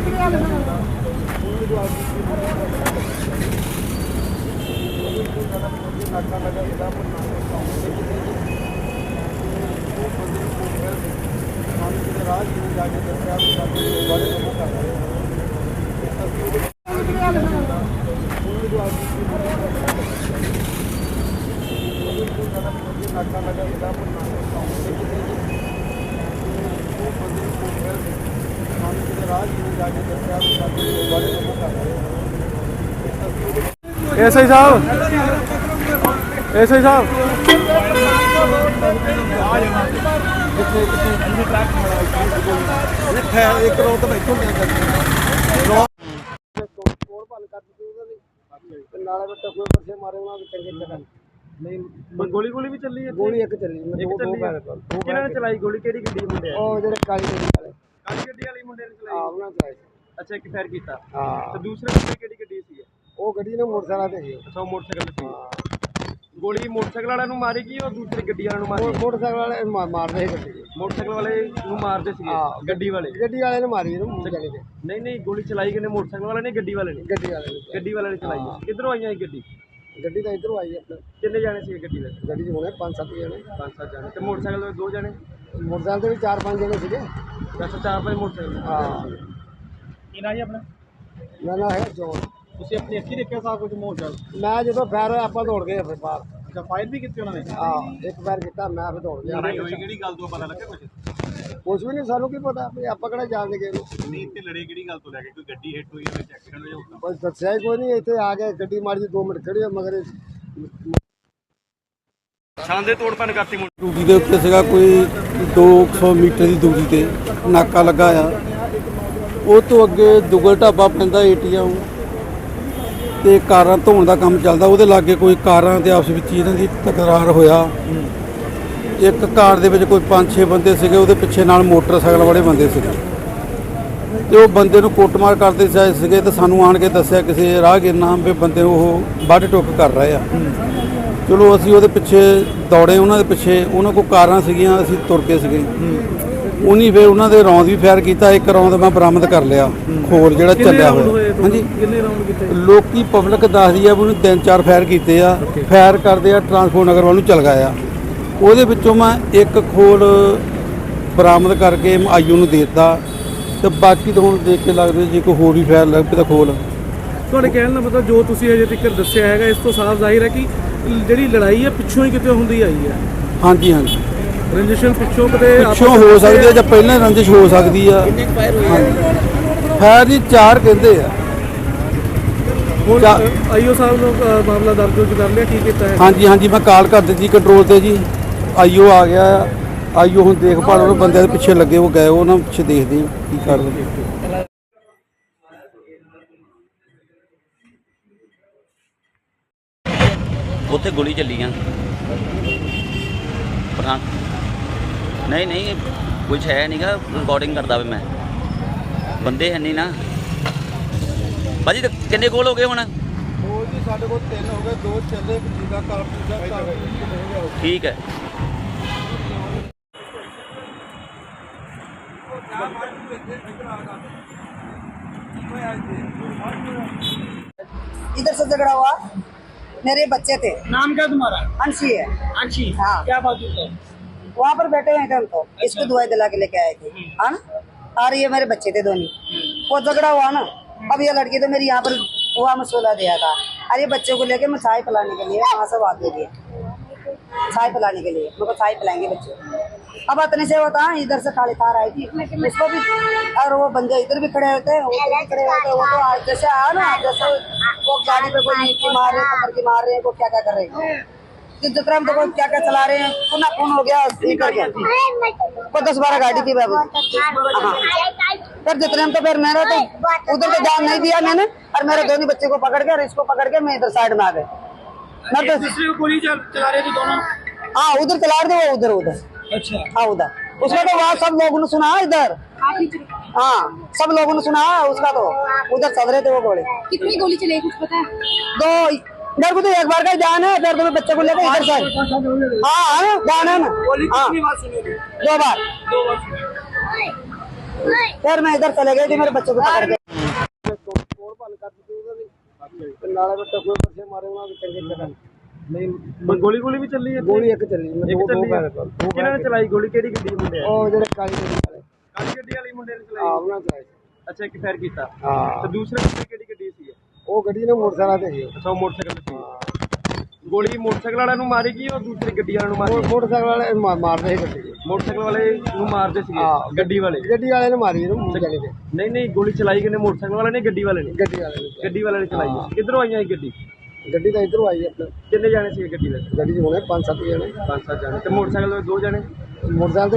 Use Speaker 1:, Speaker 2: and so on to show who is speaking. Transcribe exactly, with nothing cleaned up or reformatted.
Speaker 1: SI साहब, SI साहब एक करोड़ तो बैठो गोली गोली भी चली है। गोली एक चली किन्होंने चलाई गोली? केड़ी गड्डी मुंडे ओ जेड़े काली गड्डी वाले काली गड्डी वाली मुंडे ने चलाई? हां उन्होंने चलाई। अच्छा एक फायर कीता। हां तो दूसरे मुंडे केड़ी गड्डी सी? ओ गड्डी ने मोटरसाइकिल ते सी। अच्छा मोटरसाइकिल सी। गोली मोटरसाइकिल वाले नु मारी की और दूसरी गड्डी वाले नु मारी? मोटरसाइकिल वाले मारदे सी गड्डी मोटरसाइकिल वाले नु मारदे सी गड्डी वाले गड्डी वाले ने मारी नु जाने के। नहीं नहीं गोली चलाई किने? मोटरसाइकिल वाले ने गड्डी वाले ने? गड्डी वाले ने गड्डी वाले ने चलाई। किधरों आई है गड्डी? गड्डी तो इधरों आई है अपने। कितने जाने सी गड्डी में? गड्डी में होने पांच सात जाने। पांच सात जाने। तो मोटरसाइकिल में दो जाने? मोटरसाइकिल भी चार पांच जने सीगे। अच्छा चार पांच मोटरसाइकिल। हां की ना जी अपना? ना ना है जो ਤੁਸੀਂ ਆਪਣੀ ਅੱਖੀ ਦੇਖਿਆ ਸਾਰਾ ਕੁਝ ਮੋਟਰਸਾਈਕਲ? ਮੈਂ ਜਦੋਂ ਫਾਇਰ ਹੋਇਆ ਆਪਾਂ ਦੌੜ ਗਏ ਫਿਰ ਬਾਹਰ। ਅੱਛਾ ਫਾਇਰ ਵੀ ਕੀਤੀ ਉਹਨਾਂ ਨੇ? ਹਾਂ ਇੱਕ ਫਾਇਰ ਕੀਤਾ ਮੈਂ ਫਿਰ ਦੌੜ ਗਿਆ। ਲੜਾਈ ਹੋਈ ਕਿਹੜੀ ਗੱਲ ਤੋਂ ਪਤਾ ਲੱਗਾ ਕੁਝ? ਕੁਝ ਵੀ ਨਹੀਂ ਸਾਨੂੰ ਕੀ ਪਤਾ ਵੀ ਆਪਾਂ ਕਿਹੜਾ ਜਾਣਦੇ ਗਏ ਨੂੰ। ਨਹੀਂ ਇੱਥੇ ਲੜੇ ਕਿਹੜੀ ਗੱਲ ਤੋਂ ਲੈ ਕੇ? ਕੋਈ ਗੱਡੀ ਹਿੱਟ ਹੋਈ ਜਾਂ ਐਕਸੀਡੈਂਟ ਹੋਇਆ? ਬਸ ਦੱਸਿਆ ਹੀ ਕੋਈ ਨਹੀਂ। ਇੱਥੇ ਆ ਕੇ ਗੱਡੀ ਮਾਰੀ ਦੋ ਮਿੰਟ ਖੜੀ ਮਗਰ ਛਾਂ ਦੇ ਤੋੜ ਭੰਨ ਕਰਤੀ। ਡਿਊਟੀ ਦੇ ਉੱਤੇ ਸੀਗਾ ਕੋਈ ਦੋ ਸੌ ਮੀਟਰ ਦੀ ਦੂਰੀ ਤੇ ਨਾਕਾ ਲੱਗਾ ਆ। ਉਹ ਤੋਂ ਅੱਗੇ ਦੁਗਲ ਢਾਬਾ ਪੈਂਦਾ ਏਟੀਐਮ ਤੇ ਕਾਰਾਂ ਧੋਣ ਦਾ ਕੰਮ ਚੱਲਦਾ। ਉਹਦੇ ਲਾਗੇ ਕੋਈ ਕਾਰਾਂ ਦੇ ਆਪਸ ਵਿੱਚ ਇਹਨਾਂ ਦੀ ਤਕਰਾਰ ਹੋਇਆ। ਇੱਕ ਕਾਰ ਦੇ ਵਿੱਚ ਕੋਈ ਪੰਜ ਛੇ ਬੰਦੇ ਸੀਗੇ, ਉਹਦੇ ਪਿੱਛੇ ਨਾਲ ਮੋਟਰਸਾਈਕਲ ਵਾਲੇ ਬੰਦੇ ਸੀਗੇ ਤੇ ਉਹ ਬੰਦੇ ਨੂੰ ਕੁੱਟਮਾਰ ਕਰਦੇ ਜਾਏ ਸੀਗੇ ਤੇ ਸਾਨੂੰ ਆਣ ਕੇ ਦੱਸਿਆ ਕਿਸੇ ਰਾਹਗੀਰ ਨਾਮ ਵੀ ਬੰਦੇ ਉਹ ਵੱਢ ਟੁੱਕ ਕਰ ਰਹੇ ਆ। ਚਲੋ ਅਸੀਂ ਉਹਦੇ ਪਿੱਛੇ ਦੌੜੇ, ਉਹਨਾਂ ਦੇ ਪਿੱਛੇ। ਉਹਨਾਂ ਕੋਲ ਕਾਰਾਂ ਸੀਗੀਆਂ, ਅਸੀਂ ਤੁਰ ਕੇ ਸੀਗੇ। ਉਹਨੀ ਫਿਰ ਉਹਨਾਂ ਦੇ ਰੌਂਦ ਵੀ ਫਾਇਰ ਕੀਤਾ। ਇੱਕ ਰੌਂਦ ਮੈਂ ਬਰਾਮਦ ਕਰ ਲਿਆ, ਖੋਰ ਜਿਹੜਾ ਚੱਲਿਆ ਹੋਇਆ। ਹਾਂਜੀ ਕਿੰਨੇ ਰਾਉਂਡ ਕੀਤੇ? ਲੋਕੀ ਪਬਲਿਕ ਦੱਸਦੀ ਆ ਵੀ ਉਹਨੇ ਤਿੰਨ ਚਾਰ ਫਾਇਰ ਕੀਤੇ ਆ। ਫਾਇਰ ਕਰਦੇ ਆ ਟਰਾਂਸਪੋਰਟ ਨਗਰ ਵੱਲ ਨੂੰ ਚੱਲ ਗਏ ਆ। ਉਹਦੇ ਵਿੱਚੋਂ ਮੈਂ ਇੱਕ ਖੋਲ ਬਰਾਮਦ ਕਰਕੇ ਆਈਓ ਨੂੰ ਦੇ ਦਿੱਤਾ ਤੇ ਬਾਕੀ ਤਾਂ ਹੁਣ ਦੇਖ ਕੇ ਲੱਗਦਾ ਜੇ ਕੋਈ ਹੋਰ ਵੀ ਫਾਇਰ ਲੱਗ ਪਏ ਤਾਂ ਖੋਲ। ਤੁਹਾਡੇ ਕਹਿਣ ਦਾ ਮਤਲਬ ਜੋ ਤੁਸੀਂ ਅਜੇ ਤੱਕ ਦੱਸਿਆ ਹੈਗਾ ਇਸ ਤੋਂ ਸਾਫ਼ ਜ਼ਾਹਿਰ ਹੈ ਕਿ ਜਿਹੜੀ ਲੜਾਈ ਹੈ ਪਿੱਛੋਂ ਹੀ ਕਿਤੇ ਹੁੰਦੀ ਆਈ ਹੈ। ਹਾਂਜੀ ਹਾਂਜੀ ਰੰਜਿਸ਼ ਪਿੱਛੋਂ ਕਿਤੇ ਪਿੱਛੋਂ ਹੋ ਸਕਦੀ ਹੈ ਜਾਂ ਪਹਿਲਾਂ ਰੰਜਿਸ਼ ਹੋ ਸਕਦੀ ਆ। ਕਿੰਨੇ ਫਾਇਰ ਹੋਏ? ਫਾਇਰ ਜੀ ਚਾਰ ਕਹਿੰਦੇ ਆ। ਹੁਣ ਆਈਓ ਸਾਹਿਬ ਨੂੰ ਮਾਮਲਾ ਦਰਜ ਕਰ ਲਿਆ? ਕੀ ਕੀਤਾ ਹੈ? ਹਾਂਜੀ ਹਾਂਜੀ ਮੈਂ ਕਾਲ ਕਰ ਦਿੱਤੀ ਕੰਟਰੋਲ ਤੇ ਜੀ। ਆਈਓ ਆ ਗਿਆ। ਆਈਓ ਹੁਣ ਦੇਖਭਾਲ ਉਹਨਾਂ ਬੰਦਿਆਂ ਦੇ ਪਿੱਛੇ ਲੱਗੇ ਉਹ ਗਏ, ਉਹਨਾਂ ਪਿੱਛੇ ਦੇਖਦੇ ਕੀ ਕਰਦੇ।
Speaker 2: ਉੱਥੇ ਗੋਲੀ ਚੱਲੀ ਆ। ਪਠਾਨ ਨਹੀਂ ਨਹੀਂ ਕੁਛ ਹੈ ਨਹੀਂਗਾ, ਰਿਕਾਰਡਿੰਗ ਕਰਦਾ ਵੇ ਮੈਂ। ਬੰਦੇ ਹੈ ਨਹੀਂ ਨਾ ਭਾਜੀ। ਕਿੰਨੇ ਗੋਲ ਹੋ ਗਏ ਹੁਣ?
Speaker 1: ਉਹ ਜੀ ਸਾਡੇ ਕੋਲ ਤਿੰਨ ਹੋ ਗਏ, ਦੋ ਚੱਲੇ ਇੱਕ ਜੀਦਾ ਕਾਰਤੂਸ ਦਾ।
Speaker 2: ਠੀਕ ਹੈ।
Speaker 3: इधर से झगड़ा हुआ, मेरे बच्चे थे।
Speaker 4: नाम क्या तुम्हारा?
Speaker 3: अंशी है।
Speaker 4: अंशी।
Speaker 3: हाँ
Speaker 4: क्या बात है?
Speaker 3: वहाँ पर बैठे हैं हम तो इसको दवाई दिला के लेके आए थे। हाँ ना, और ये मेरे बच्चे थे दोनों। वो झगड़ा हुआ ना, अब ये लड़की तो मेरी यहाँ पर हुआ मसला दिया था। अरे बच्चों को लेके मैं चाय पिलाने के लिए वहाँ से बात दे दिया, चाय पिलाने के लिए मेरे चाय पिलाएंगे बच्चे। अब इतने से होता है इधर से काली कार आई थी उसको भी, और वो बंदे इधर भी खड़े होते हैं, उधर भी खड़े होते हैं। वो तो जैसे आया ना, जैसे वो गाड़ी पे कोई नीचे मार रहे हैं, पकड़ के मार रहे हैं, वो क्या क्या कर रहे हैं, जितना तो कोई क्या क्या चला रहे हैं। पुनः खून हो गया वो दस बारह गाड़ी थी बाबू। हाँ फिर जितने हम तो फिर मेरा तो उधर तो ध्यान नहीं दिया मैंने, और मेरे दोनों बच्चे को पकड़ के और इसको पकड़ के मैं इधर साइड में आ गए। मैं तो
Speaker 4: गोली चला रहे थे दोनों?
Speaker 3: हाँ उधर चला रहे थे वो, उधर उधर।
Speaker 4: अच्छा
Speaker 3: हाँ उधर उसका तो वहाँ सब लोगों ने सुना इधर। हाँ सब लोगों ने सुना उसका, तो उधर चल रहे थे वो गोली।
Speaker 5: कितनी गोली चली कुछ पता है?
Speaker 3: दो, मेरे को तो एक बार का ध्यान है, फिर तो मैं बच्चे को लेकर इधर से। हाँ हाँ ध्यान है ना।
Speaker 4: गोली
Speaker 3: हाँ
Speaker 4: कितनी बार सुनी?
Speaker 3: दो बार।
Speaker 4: दो बार।
Speaker 3: फिर मैं इधर चले गई थी मेरे बच्चों को पकड़ के
Speaker 6: ਨਹੀਂ ਗੋਲੀ ਗੋਲੀ ਵੀ ਚੱਲੀ ਹੈ
Speaker 1: ਗੋਲੀ ਇੱਕ ਚੱਲੀ
Speaker 6: ਇੱਕ ਚੱਲੀ ਹੈ ਕਿਹਨਾਂ ਨੇ ਚਲਾਈ ਗੋਲੀ ਕਿਹੜੀ ਗੱਡੀ ਮੁੰਡੇ ਆ
Speaker 1: ਉਹ ਜਿਹੜੇ ਕਾਲੀ ਗੱਡੀ ਵਾਲੇ
Speaker 6: ਕਾਲੀ ਗੱਡੀ ਵਾਲੀ ਮੁੰਡੇ ਨੇ
Speaker 1: ਆ
Speaker 6: ਚਲਾਈ
Speaker 1: ਉਹਨਾਂ ਚਲਾਈ
Speaker 6: ਅੱਛਾ ਇੱਕ ਫਾਇਰ ਕੀਤਾ
Speaker 1: ਹਾਂ
Speaker 6: ਤੇ ਦੂਸਰੇ ਮੁੰਡੇ ਕਿਹੜੀ ਗੱਡੀ ਸੀ
Speaker 1: ਉਹ ਗੱਡੀ ਨੇ ਮੋਟਰਸਾਈਕਲ ਤੇ ਸੀ
Speaker 6: ਅੱਛਾ ਉਹ ਮੋਟਰਸਾਈਕਲ ਤੇ ਸੀ ਗੋਲੀ ਮੋਟਰਸਾਈਕਲ ਵਾਲਿਆਂ ਨੂੰ ਮਾਰੀ ਗਈ ਉਹ ਦੂਸਰੀ ਗੱਡੀ ਵਾਲਿਆਂ ਨੂੰ ਮਾਰੀ
Speaker 1: ਮੋਟਰਸਾਈਕਲ ਵਾਲੇ ਮਾ- ਮਾਰਦੇ ਸੀ ਗੱਡੀ
Speaker 6: ਮੋਟਰਸਾਈਕਲ ਵਾਲੇ ਨੂੰ ਮਾਰਦੇ ਸੀਗੇ
Speaker 1: ਹਾਂ।
Speaker 6: ਗੱਡੀ ਵਾਲੇ
Speaker 1: ਗੱਡੀ ਵਾਲੇ ਨੇ ਮਾਰੀ ਇਹਨੂੰ ਜਾਣੀ ਕਿ
Speaker 6: ਨਹੀਂ ਨਹੀਂ ਗੋਲੀ ਚਲਾਈ ਕਿਨੇ ਮੋਟਰਸਾਈਕਲ ਵਾਲੇ ਨੇ ਗੱਡੀ ਵਾਲੇ ਨੇ
Speaker 1: ਗੱਡੀ ਵਾਲੇ ਨੇ
Speaker 6: ਗੱਡੀ ਵਾਲੇ ਨੇ ਚਲਾਈ ਹੈ। ਕਿੱਧਰੋਂ ਆਈਆਂ ਇਹ ਗੱਡੀ
Speaker 1: ਗੱਡੀ ਤਾਂ ਇਧਰੋਂ ਆਈ ਆਪਣੇ
Speaker 6: ਕਿੰਨੇ ਜਾਣੇ ਸੀ ਗੱਡੀ ਵਿੱਚ
Speaker 1: ਗੱਡੀ 'ਚ ਹੋਣੇ ਪੰਜ ਸੱਤ ਜਣੇ
Speaker 6: ਪੰਜ ਸੱਤ ਜਾਣੇ ਤੇ ਮੋਟਰਸਾਈਕਲ ਤੇ ਦੋ ਜਾਣੇ
Speaker 1: ਮੋਟਰਸਾਈਕਲ